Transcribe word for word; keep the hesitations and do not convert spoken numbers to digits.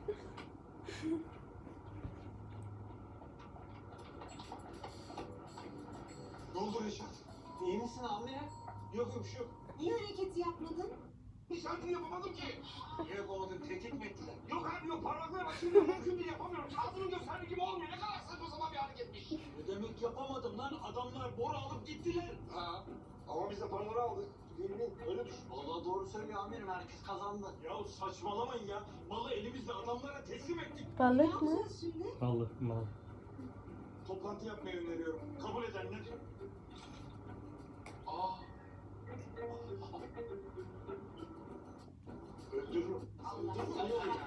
Ne oldu Reşat? İyi misin amirim? Yok yok bir şey yok. Niye hareketi yapmadın? İşaretini yapamadım ki. Niye yapamadın? Tehdit mi ettiler? Yok abi yok. Parmaklarım açılmıyor. Mümkün değil yapamıyorum. Ağzını gösterdiği gibi olmuyor. Ne kadar saçma sapan bir hareketmiş. Ne demek yapamadım lan? Adamlar boru alıp gittiler. Ha. Ama biz de paraları aldık. Yemin öyle düşün. Vallahi doğru söylüyor amirim. Herkes kazandı. Ya saçmalamayın ya. Malı elimizde adamlara teslim ettik. Ne Balık mı? yapacağız şimdi? Balık mal. Toplantı yapmayı öneriyorum. Kabul edenler. Aa. Öldürürüm. Allah Öldürürüm. Allah.